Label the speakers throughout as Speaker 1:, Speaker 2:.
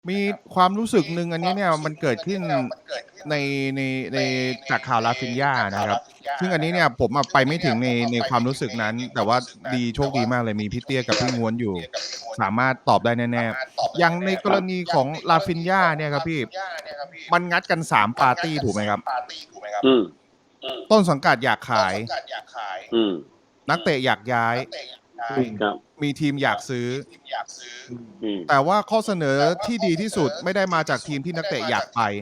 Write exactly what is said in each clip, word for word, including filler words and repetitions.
Speaker 1: มีความรู้สึกหนึ่งอันนี้เนี่ยมันเกิดขึ้นในในในจากข่าว Rafinha นะครับซึ่งอันนี้เนี่ยผมอะไปไม่ถึงในในความรู้สึกนั้นแต่ว่าดีโชคดีมากเลยมีพี่เตี้ยกับพี่ง้วนอยู่สามารถตอบได้แน่ๆอย่างในกรณีของ Rafinha เนี่ยครับพี่มันงัดกันสามปาร์ตีถูกไหมครับ
Speaker 2: อืม
Speaker 1: ต้นสังกัดอยากขาย
Speaker 2: อืม
Speaker 1: นักเตะอยากย้าย
Speaker 2: ครับ
Speaker 1: มีทีมอยากซื้อ
Speaker 2: อืม
Speaker 1: แต่ว่าข้อเสนอที่ดีที่สุดไม่ได้มาจากทีมที่นักเตะอยากไป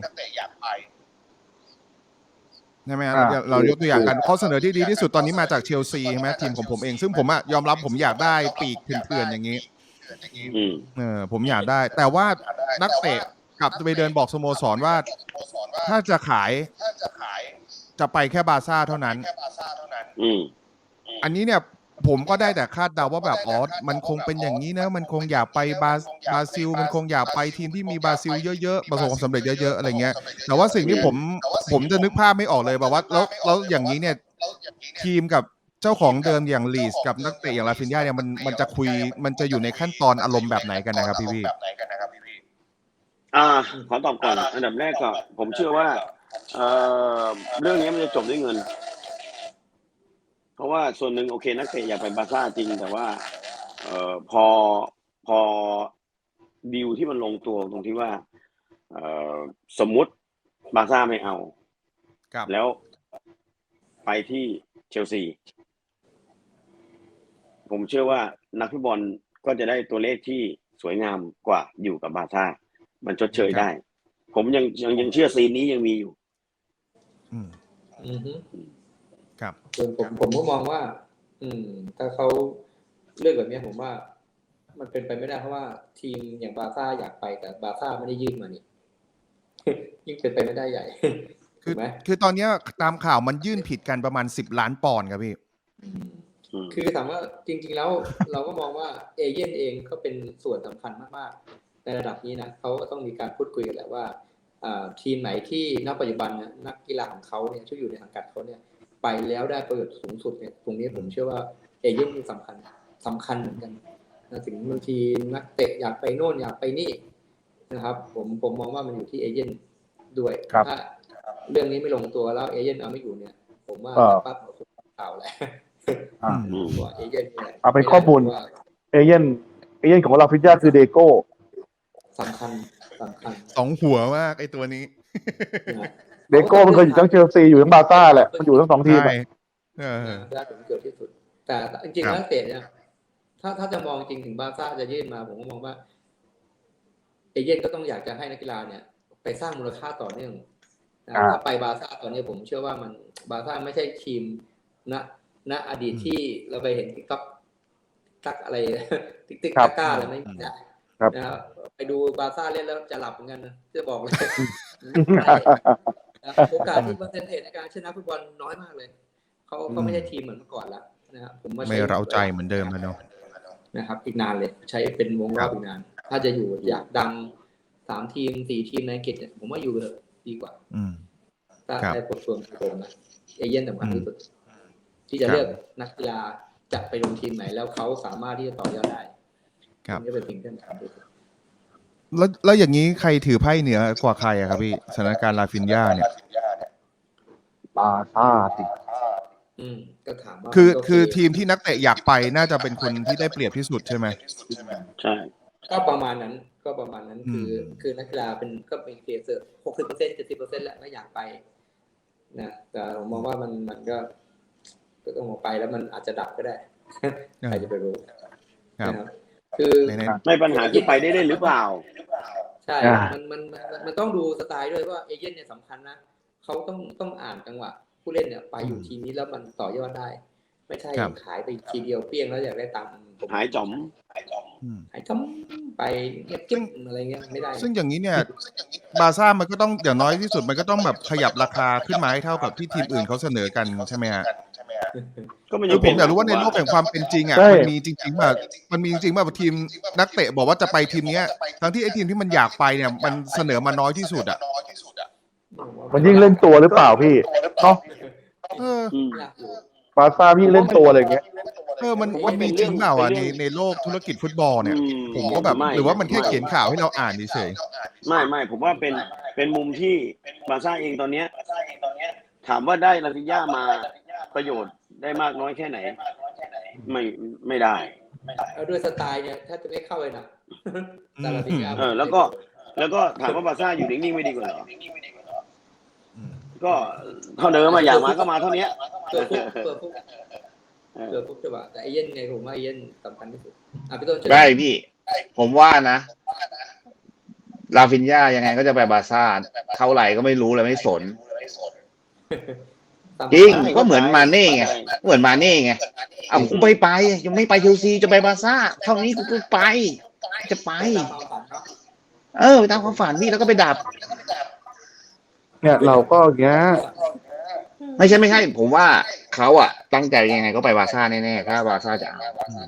Speaker 1: ใช่ไหมเราเรายกตัวอย่างกันข้อเสนอที่ดีที่สุดตอนนี้มาจากเชลซีใช่ไหมทีมของผมเองซึ่งผมอะยอมรับผมอยากได้ปีกเถื่อนๆอย่างนี้เออผมอยากได้แต่ว่านักเตะกลับไปเดินบอกสโมสรว่าถ้าจะขายจะไปแค่บาร์ซ่าเท่านั้นอันนี้เนี่ยผมก็ได้แต่คาดเดาว่าแบบอ๋อมันคงเป็นอย่างนี้นะมันคงอยากไปบาบราซิลมันคงอยากไปทีมที่มีบราซิลเยอะๆประสบความสำเร็จเยอะๆอะไรเงี้ยแต่ว่าสิ่งที่ผมผมจะนึกภาพไม่ออกเลยแบบว่าแล้วแล้วอย่างนี้เนี่ยทีมกับเจ้าของเดิมอย่างลีสกับนักเตะอย่างราฟินญาเนี่ยมันมันจะคุยมันจะอยู่ในขั้นตอนอารมณ์แบบไหนกันนะครับพี่พี่
Speaker 2: อ่าขอตอบก่อนอันดับแรกก็ผมเชื่อว่าเอ่อเรื่องนี้มันจะจบด้วยเงินเพราะว่าส่วนหนึ่งโอเคนักเตะอยากไปบาร์ซ่าจริงแต่ว่าเอ่อพอพอดีลที่มันลงตัวตรงที่ว่าเอ่อสมมุติบาร์ซ่าไม่เอาแล้วไปที่เชลซีผมเชื่อว่านักฟุตบอลก็จะได้ตัวเลขที่สวยงามกว่าอยู่กับบาร์ซ่ามันชดเชยได้ผมยังยังยังเชื่อซีนนี้ยังมีอยู่
Speaker 1: อืม
Speaker 3: อือฮึ
Speaker 1: ครับ
Speaker 3: ส่วนผมผมก็มองว่า อืมถ้าเขาเลือกแบบนี้ผมว่า มันเป็นไปไม่ได้เพราะว่าทีมอย่างบาร์ซ่าอยากไปแต่บาร์ซ่าไม่ได้ยื่นมานี่ ยิ่งเป็นไปไม่ได้ใหญ่
Speaker 1: คือคือตอนนี้ตามข่าวมันยื่นผิดกันประมาณสิบล้านปอนด์ครับพี่
Speaker 3: คือถามว่าจริงๆแล้วเราก็มองว่าเอเย่นเองก็เป็นส่วนสำคัญมากๆในระดับนี้นะเขาต้องมีการพูดคุยกันแหละว่าทีมไหนที่ณปัจจุบันนักกีฬาของเขาเนี่ยที่อยู่ในสังกัดเขาเนี่ยไปแล้วได้ประโยชน์สูงสุดเนี่ยตรงนี้ผมเชื่อว่าเอเย่นสำคัญสำคัญเหมือนกันนะถึงบางทีนักเตะอยากไปโน่นอยากไปนี่นะครับผมผมมองว่ามันอยู่ที่เอเย่นด้วยถ้าเรื่องนี้ไม่ลงตัวแล้วเอเย่นเอาไม่อยู่เนี่ยผมว่าปั๊บเอาข่าวแหละเอเย่นเนี่ย
Speaker 4: เอาเป็นข้อมูลเอเย่นเอเย่นของเราฟิจ้าคือเดโก้
Speaker 3: สำคัญสำคัญ
Speaker 1: สองหัวมากไอตัวนี้
Speaker 4: เดโก้มันเคยอยู่ทั้งเชลซีอยู่ทั้งบาร์ซ่าแหละมันอยู่ทั้งสองทีม
Speaker 3: ได้ผลเกิดที่สุดแต่จริงๆแล้วเตะเนี่ยถ้าถ้าจะมองจริงถึงบาร์ซ่าจะยื่นมาผมก็มองว่าเอเย่นก็ต้องอยากจะให้นักกีฬาเนี่ยไปสร้างมูลค่าต่อเนื่องถ้าไปบาร์ซ่าตอนนี้ผมเชื่อว่ามันบาร์ซ่าไม่ใช่ทีมณณอดีตที่เราไปเห็นติ๊กต็อกตักอะไรติ๊กติ๊กตะก้าอะไรไม่มีนะนะครับไปดูบาร์ซ่าเล่นแล้วจะหลับเหมือนกันนะจะบอกเลยโอกาสที่เปอร์เซ็นต์ในการชนะฟุตบอลน้อยมากเลยเขาเขาไม่ใช่ทีมเหมือนเมื่อก่อนแล้วนะครับผมว่า
Speaker 1: ไม่เร้าใจเหมือนเดิมแล้วเนาะ
Speaker 3: นะครับอีกนานเลยใช้เป็นวงรอบอีกนานถ้าจะอยู่อยากดังสามทีมสี่ทีมในอังกฤษเนี่ยผมว่าอยู่เลยดีกว่าถ้าในบทส่วนผมนะเอเย่นสำคัญที่สุดที่จะเลือกนักกีฬาจะไปลงทีมไหนแล้วเขาสามารถที่จะต่อยอดได้ครับนี่เป็นสิ่งที่สำคัญที่สุด
Speaker 1: แล้วแล้วอย่างนี้ใครถือไพ่เหนือกว่าใครอะครับพี่สถานการณ์ราฟินญาเนี่ย
Speaker 4: บาร์ซ่าสิ
Speaker 3: อืมก็ถามว่า
Speaker 1: คือคือทีมที่นักเตะอยากไปน่าจะเป็นคนที่ได้เปรียบที่สุดใช่ไหม
Speaker 2: ใช่
Speaker 3: ก็ประมาณนั้นก็ประมาณนั้นคือคือนักกีฬาเป็นก็เป็นเคสหกสิบเปอร์เซ็นต์เจ็ดสิบเปอร์เซ็นต์แล้วก็อยากไปนะแต่ผมมองว่ามันมันก็ก็ต้องออกไปแล้วมันอาจจะดับก็ได้ใครจะไปรู้นะครับคือ
Speaker 2: ไม่ปัญหาที่ไปได้ได้หรือเปล่า
Speaker 3: ใช่มันมันมันต้องดูสไตล์ด้วยว่าเอเย่นเนี่ยสำคัญนะเขาต้องต้องอ่านจังหวะผู้เล่นเนี่ยไปอยู่ทีมนี้แล้วมันต่อยอดได้ไม่ใช่ขายไปทีเดียวเปี้ยงแล้วอยากได้ตังค์
Speaker 2: หายจ๋อม
Speaker 3: หายจ๋อมหายจ๋อมไปเงียบจิ้มอะไรเงี้ยไม่ได้
Speaker 1: ซึ่งอย่างนี้เนี่ยบาร์ซ่ามันก็ต้องอย่างน้อยที่สุดมันก็ต้องแบบขยับราคาขึ้นมาให้เท่ากับที่ทีมอื่นเขาเสนอกันใช่ไหมฮะคือผมอยากรู้ว่าในโลกแห่งความเป็นจริงอ่ะมันมีจริงๆแบบมันมีจริงๆแบบทีมนักเตะบอกว่าจะไปทีมนี้ทั้งที่ไอ้ทีมที่มันอยากไปเนี่ยมันเสนอมาน้อยที่สุดอ่ะ
Speaker 4: มันยิ่งเล่นตัวหรือเปล่าพี่เนาะ
Speaker 1: เออ
Speaker 4: ปบาร์ซ่าพี่เล่นตัวอะไรอย่างเงี้ย
Speaker 1: เออมันมันมีจริงเปล่าอ่ะในในโลกธุรกิจฟุตบอลเนี่ย ผมก็แบบหรือว่ามันแค่เขียนข่าวให้เราอ่านเฉย
Speaker 2: ไม่ไม่ผมว่าเป็นเป็นมุมที่บาร์ซ่าเองตอนเนี้ยถามว่าได้ลาฟิญ่ามาประโยชน์ได้มากน้อยแค่ไหน ไม่ไม่ได้
Speaker 3: เอาด้วยสไตล์เนี่ยถ้าจะไม่เข้าเลยนะแต่ละทีม
Speaker 2: เออแล้วก็แล้วก็ถามว่าบาร์ซ่าอยู่นิ่งๆไม่ดีกว่าเหรอก็เท่าเดิมมาอย่างมาก็มาเท่านี้
Speaker 3: เปิดฟุกเปิดฟุกเปิดฟุกจังหวะแต่ไอเย็นไงผมว่าไอเย็นสำคัญที่สุดอ่ะพี่ต้นเชิญ
Speaker 5: ได้พี่ ผมว่านะลาฟินญายังไงก็จะไปบาร์ซ่าเท่าไหร่ก็ไม่รู้เลยไม่สน จริงก็เหมือนมาเน่ไงเหมือนมาเน่ไงเอากูไปไปยังไม่ไปเชลซีจะไปบาร์ซ่าเท่านี้กูก็ไป จะไป เออไปตามความฝันพี่แล้วก็ไปดับ
Speaker 4: เนี่ยเราก็อย่างเงี้ย
Speaker 5: ไม่ใช่ไม่ใช่ ผมว่าเขาอะตั้งใจยังไงก็ไปบาร์ซ่าแน่ๆถ้าบาร์ซ่าจะเอา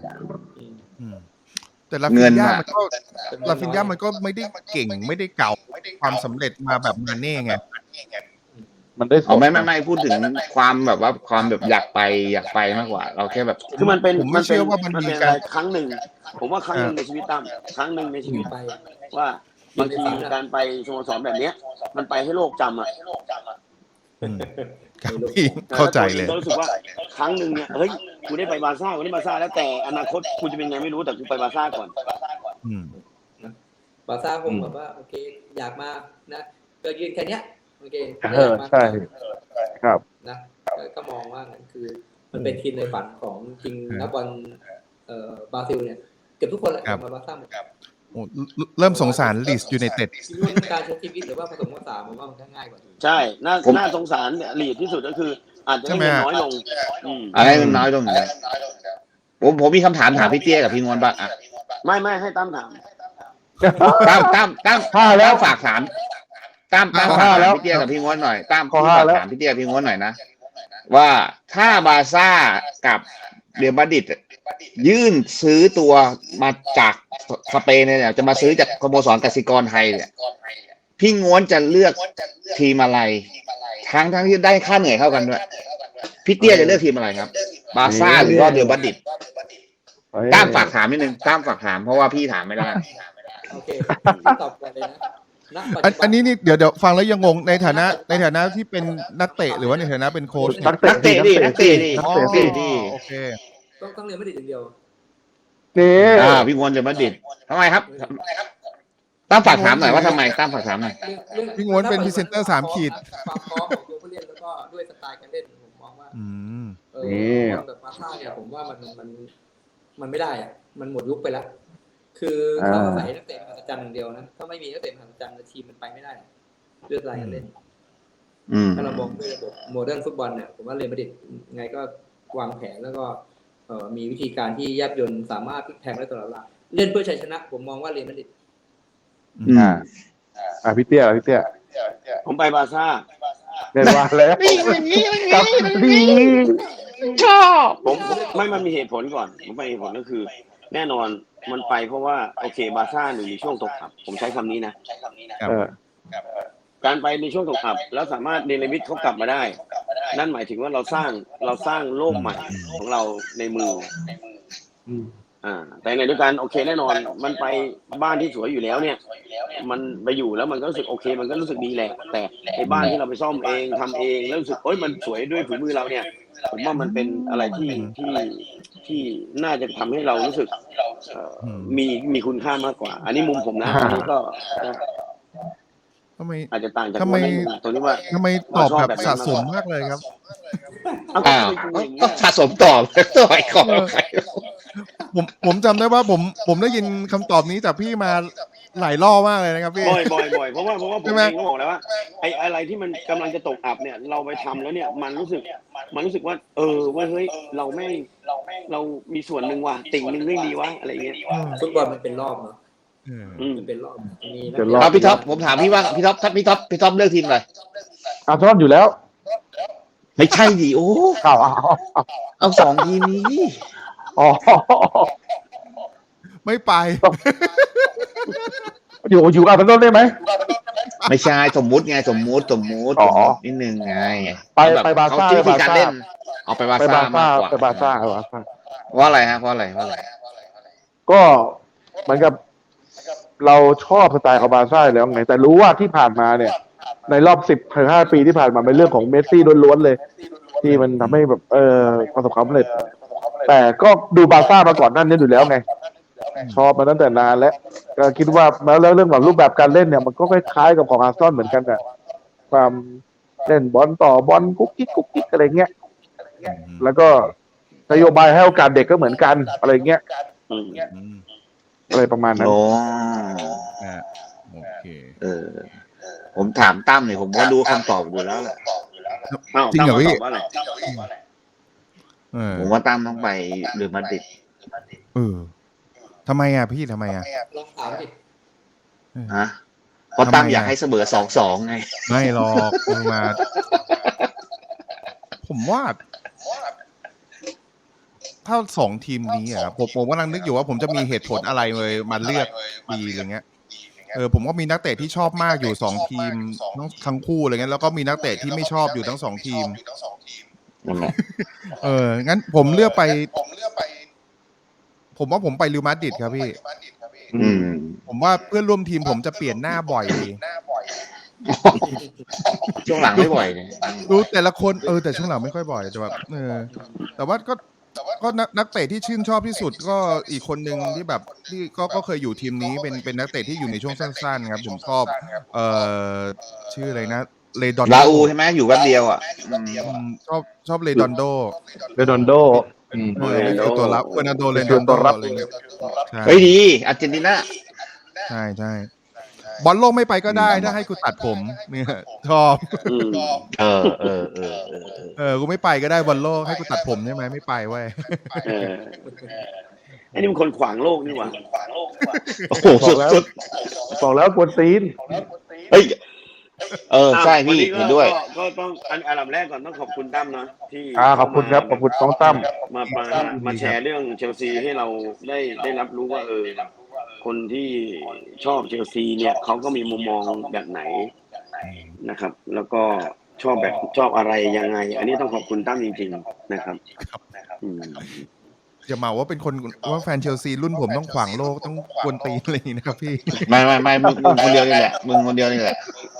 Speaker 1: ๆแต่ลา
Speaker 5: เงิ
Speaker 1: ฟิน
Speaker 5: น
Speaker 1: ยา
Speaker 5: อะ
Speaker 1: มันก็ลาฟินยามันก็ไม่ได้เก่งไม่ได้เก่าความสำเร็จมาแบบมาเน่ไง
Speaker 4: มันได้ส
Speaker 5: เอา
Speaker 4: อง
Speaker 5: ไม่ไม่ไม่พูดถึงความแบบว่าความแบบอยากไปอยากไปมากกว่า เราแค่แบบ
Speaker 2: คือมันเป็น
Speaker 1: ผมไม่เชื่อว่ามันมี
Speaker 2: เป็น
Speaker 1: การ
Speaker 2: อะไรครั้งหนึ่ง ผมว่าครั้งหนึ่งในชีวิตตั้มครั้งหนึ่งในชีวิต
Speaker 3: ไป
Speaker 2: ว่าบางทีการไปสโมสรแบบเนี้ย มันไปให้โลกจำอ่ะ
Speaker 1: อืมครับพี่เข้าใจเลย
Speaker 2: ก็รู้สึกว่าครั้งหนึ่งเนี่ยเฮ้ยกูได้ไปบาร์ซ่ากูได้บาร์ซ่าแล้วแต่อนาคตกูจะเป็นไงไม่รู้แต่กูไปบาร์ซ่าก่อน
Speaker 1: อืม
Speaker 3: บาร์ซ่าคงแบบว่าโอเคอยากมานะก็ยืนแค่เนี้ยโอเค
Speaker 4: เออใช่ครับ
Speaker 3: นะก็มองว่านั่นคือ มันเป็นทีมในฝันของจริงนักบอลเอ่อบราซิลเนี่ยเกือบทุกคนแหละมาบาร์ซ่าหมด
Speaker 1: โอ้เริ่มสงสารลีสยูไนเต็ด
Speaker 3: การใช้ชีวิตหรือว่าผสมผสานผมว่ามันก็ง่ายกว่า
Speaker 2: ใช่น่า
Speaker 5: ผม
Speaker 2: น่าสงสารเนี่ยลีดที่สุดก็คือ อาจจะได้เงินน้อยลงอืม
Speaker 5: อะไรมันน้อยลงนะผมผมมีคำถามถามพี่เตี้ยกับพี่งวนบ้างอ่ะ
Speaker 2: ไม่ไม่ให้ตั้มถาม
Speaker 5: ตั้มตั้มตั้ม
Speaker 4: ห้าแล้ว
Speaker 5: ตั้มฝากถามตั้มตั้ม
Speaker 4: ข้อ
Speaker 5: ฝาก
Speaker 4: ห้า
Speaker 5: ถาม
Speaker 4: แล้ว
Speaker 5: พี่เตี้ยกับพี่งวนหน่อยตั้ม
Speaker 4: ข้อ
Speaker 5: พี่
Speaker 4: ห้า
Speaker 5: ฝาก
Speaker 4: แล้ว
Speaker 5: ถามพี่เตี้ยกับพี่งวนหน่อยนะว่าถ้าบาร์ซ่ากับเรอัลมาดริดยื่นซื้อตัวมาจากสเปนเนี่ยจะมาซื้อจากสโมสรกสิกรไทยเนี่ยพี่งวนจะเลือกทีมอะไรทั้งทั้งที่ได้ค่าเหนื่อยเท่ากันด้วยพี่เตี้ยจะเลือกทีมอะไรครับ บาร์ซ่าหรือว่าเรอัลมาดริดตั้มฝากถามนิดนึงตั้มฝากถามเพราะว่าพี่ถามไม่ได้
Speaker 3: โอเคตอบกันเลยนะณปัจ
Speaker 1: อัน
Speaker 3: จุบั
Speaker 1: อันนี้นี่เดี๋ยวเดี๋ยวฟังแล้วยังงงในฐานะในฐานะที่เป็นนักเตะหรือว่าในฐานะเป็นโค้ช
Speaker 4: นัก
Speaker 5: นักเตะดินักเตะดิ
Speaker 4: นัก
Speaker 1: อ๋อ
Speaker 4: เตะดิ
Speaker 1: โอเค
Speaker 3: ต้องต้องเรียนไม่ได้อย่างเดียว
Speaker 4: นี่
Speaker 5: อ่าพี่งวนจะมาดริดทำไมครับตั้มฝากถามหน่อยว่าทำไมตั้มฝากถามหน่อย
Speaker 1: พี่งวนเป็นพรีเซนเตอร์สามขีด
Speaker 3: ความพร้อมของตัวผู้เล่นแล้วก็ด้วยสไตล์การเล่นผมมองว่า
Speaker 1: อืม
Speaker 3: เออแบบบาร์ซ่าเนี่ยผมว่ามันมันมันไม่ได้อะมันหมดยุคไปแล้ว คือเขาอาศัยนักเตะมหัศจรรย์อย่างเดียวนะถ้าไม่มีนักเตะมหัศจรรย์ทีมมันไปไม่ได้ด้วยสไตล์การเล่น
Speaker 5: อืม
Speaker 3: ถ้าเรามองด้วยระบบโมเดิร์นฟุตบอลเนี่ยผมว่าเรอัลมาดริดไงก็วางแผนแล้วก็เอ่อมีวิธีการที่แยบยลสามารถพลิกแพลงได้ตลอดเวลาเล่นเพื่อชัยชนะ ผมมองว่าเรอัลมาดริด
Speaker 5: อืม
Speaker 4: อ่าอ่าพี่เตี้ยพี่เตี้ย
Speaker 2: ผมไปบาร์ซ่า
Speaker 4: เดินมาแล้วกับดี
Speaker 5: ชอบ
Speaker 2: ผมไม่มันมีเหตุผลก่อน ผมไปเหตุผลก็คือ แน่นอนมันไปเพราะว่าโอเคบาร์ซ่าหนึ่งในช่วงตกอับผมใช้คำนี้นะ
Speaker 4: เออ
Speaker 2: การไปในช่วงตกอับแล้วสามารถเนรมิตเขากลับมาได้ นั่นหมายถึงว่าเราสร้างเราสร้างโลกใหม่ของเราในมือ
Speaker 4: อืม
Speaker 2: อ่าแต่ในด้วยกันโอเคแน่นอน มันไปบ้านที่สวยอยู่แล้วเนี่ย มันไปอยู่แล้วมันก็รู้สึกโอเค มันก็รู้สึกดีแหละ แต่ไอ้บ้านที่เราไปซ่อมเองทำเองแล้วรู้สึกเอ้ยมันสวยด้วยฝีมือเราเนี่ย ผมว่ามันเป็นอะไรที่ที่ที่น่าจะทำให้เรารู้สึกเอ่อมีมีคุณค่ามากกว่า อันนี้มุมผมนะอันนี้ก็
Speaker 1: ทำไม
Speaker 2: อาจจะต่างจาก
Speaker 1: ทำไม
Speaker 2: ตรงที่ว่า
Speaker 1: ทำไมตอบแบบสะสมมากเลยครับ
Speaker 5: อ้าวก็สะสมตอบตัวไอ้ของใคร
Speaker 1: ผมผมจำได้ว่าผมผมได้ยินคำตอบนี้จากพี่มาหลายรอบมากเลยนะครับพี่
Speaker 2: บ่อยบ่อยบ่อยเพราะว่าเพราะว่าผม
Speaker 1: ใช่ไหม
Speaker 2: เองก็บอกแล้วว่าไอ้อะไรที่มันกำลังจะตกอับเนี่ย เราไปทำแล้วเนี่ย มันรู้สึก มันรู้สึกว่า เออว่าเฮ้ยเราไม่เรามีส่วนหนึ่งว่ะติ่งหนึ่งเรื่องดีวะอะไรเงี้ย
Speaker 3: ฟุตบอลมันเป็นรอบเนาะ
Speaker 1: เออ
Speaker 2: อืม
Speaker 3: มันเป็นรอบมีนัก
Speaker 4: เป็นร
Speaker 3: เตะ
Speaker 4: บ
Speaker 5: เอาพี่ท็อปผมถามพี่ว่าพี่ท็อปถ้าพี่ท็อปพี่ท็อปเลือกทีมอะไร
Speaker 4: อาร์เซนอลอยู่แล้ว
Speaker 5: ไม่ใช่ดิโอ้
Speaker 4: เอาเอาเอา
Speaker 5: เอาสองทีมนี้
Speaker 4: อ๋อ
Speaker 1: ไม่ไป
Speaker 4: อยู่อยู่อาร์เซนอลได้ไหม
Speaker 5: ไม่ใช่สมมุติไงสมมุติสมมุติ
Speaker 4: อ๋อ
Speaker 5: นิดนึงไง
Speaker 4: ไปไปบาร์ซ่า
Speaker 5: เขวิธีการเล่น
Speaker 4: ไป
Speaker 5: เอาไปบา
Speaker 4: ไป
Speaker 5: ซ่า
Speaker 4: บาซ่าม
Speaker 5: ากกว่า
Speaker 4: ไปบาซ่าไปบาซ่า
Speaker 5: เพราะอะไรฮะเพราะอะไรเพราะอะไร
Speaker 4: ก็เหมือนกับเราชอบสไตล์ของบาซ่าอยู่แล้วไงแต่รู้ว่าที่ผ่านมาเนี่ย ในรอบสิบถึงห้าปีที่ผ่านมาเป็นเรื่องของเมสซี่ล้วนๆเลย ที่มันทำให้แบบเออประสบความสำเร็จ แต่ก็ดูบาซ่ามาก่อนหนั่นนี้อยู่แล้วไง ชอบมาตั้งแต่นานแล้วก็คิดว่าแล้วแล้วเรื่องของรูปแบบการเล่นเนี่ยมันก็คล้ายๆกับของอาร์เซนอลเหมือนกันอะความเล่นบอลต่อบอลกุ๊กกิ๊กกุ๊กกิ๊กอะไรเงี้ยแล้วก็นโยบายให้โอกาสเด็กก็เหมือนกันอะไรเงี้ย
Speaker 2: อืม
Speaker 1: อืม
Speaker 4: อะไรประมาณนั้น
Speaker 5: โอ้
Speaker 1: อ่าโอเค
Speaker 5: เออ ผมถามตั้มเนี่ยผมก็รู้คำตอบอยู่แล้วแหละ
Speaker 2: เอ้า
Speaker 1: จริงเหรอ
Speaker 2: ตั้ม
Speaker 1: พี่
Speaker 2: ตอบว่าอะไร
Speaker 1: เออ
Speaker 5: ผมว่าตั้มต้องไปเรอัลมาดริด
Speaker 1: เออทำไมอ่ะพี่ทำไมอ่ะ
Speaker 3: ลองถามดิ
Speaker 5: ฮะเพราะตั้ม
Speaker 1: ทำไมอะ
Speaker 5: อยากให้เสมอสองสองไง
Speaker 1: ไม่หรอกมึงมา ผมว่า ถ้าสองทีมนี้อ่ะผมผมกำลังนึกอยู่ว่าผมจะมีเหตุผลอะไรเลยมาเลือกดีอะไรเงี้ยเออผมก็มีนักเตะที่ชอบมากอยู่สองทีมทั้งทั้งคู่อะไรเงี้ยแล้วก็มีนักเตะที่ไม่ชอบอยู่ทั้งสองทีม
Speaker 5: นั่นแหละ
Speaker 1: เอองั้นผมเลือกไป ผมว่าผมไปริวมาดริดครับพี่
Speaker 5: อืม
Speaker 1: ผมว่าเพื่อนร่วมทีมผมจะเปลี่ยนหน้าบ่อยดี
Speaker 5: ช่วงหลังไม่บ่อยเนี่ย
Speaker 1: ดูแต่ละคนเออแต่ช่วงหลังไม่ค่อยบ่อยแต่แบบเออแต่ว่าก็ก็นักนักเตะที่ชื่นชอบที่สุดก็อีกคนหนึ่งที่แบบที่ก็ก็เคยอยู่ทีมนี้เป็นเป็นนักเตะที่อยู่ในช่วงสั้นๆครับผมชอบเอ่อชื่ออะไรนะเลดอน
Speaker 5: ลาอูใช่ไหมอยู่แป๊บเดียวอ่ะอืม
Speaker 1: อืมชอบชอบเลดอนโด
Speaker 4: เรดอนโดอืม
Speaker 1: เออนี่คือตัวรับเฟอร์นันโดเลดอนโดอะไรเงี้ยใช่
Speaker 5: เฮ้ยดีอาร์เจนตินา
Speaker 1: ใช่ใช่บอลโลกไม่ไปก็ได้ถ้าให้กูตัดผมเนี่ยชอบ
Speaker 2: อืม
Speaker 5: เออเออเออเออ
Speaker 1: เออกูไม่ไปก็ได้บอลโลกให้กูตัดผมใช่ไหมไม่ไปเว้ย
Speaker 2: เออไอ้นี่มันคนขวางโลกนี่หว่า
Speaker 5: โอ้โหสุดสุด
Speaker 4: บอกแล้วกวนตีน
Speaker 5: เฮ้ยเออใช่พี่
Speaker 2: อ่ะ
Speaker 5: เห็นด้วย
Speaker 2: ก็ก็ต้องอันอันดับแรกก่อนต้องขอบคุณตั้มนะที่
Speaker 4: อ่าขอบคุณครับขอบคุณน้องตั้ม
Speaker 2: มามามาแชร์เรื่องเชลซีให้เราได้ได้รับรู้ว่าเออคนที่ชอบเชลซีเนี่ยเขาก็มีมุมมองแบบไหนนะครับ แล้วก็ชอบแบบชอบอะไรยังไง อันนี้ต้องขอบคุณตั้มจริงๆนะครับอืม
Speaker 1: จะมาว่าเป็นคนว่าแฟนเชลซีรุ่นผมต้องขวางโลกต้องกวนตีนอะไรอย่างนี้นะครับพี่
Speaker 5: ไม่ไม่ไม่มึงมึงคนเดียวนี่แหละมึงคนเดียวนี่แหละ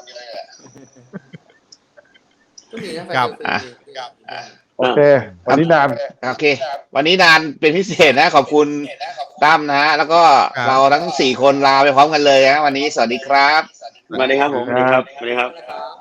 Speaker 3: ก็มีนะแฟน
Speaker 1: ครับ
Speaker 3: เชลซี
Speaker 4: โอเค วันนี้นาน
Speaker 5: โอเค วันนี้นานเป็นพิเศษนะ ขอบคุณตั้มนะฮะแล้วก็
Speaker 1: ครับ
Speaker 5: เราทั้งสี่คนลาไปพร้อมกันเลยนะวันนี้สวัสดีครับ
Speaker 2: สวัสดีครับผมสวัสดีครับสวัสดีครับ
Speaker 3: นะครับ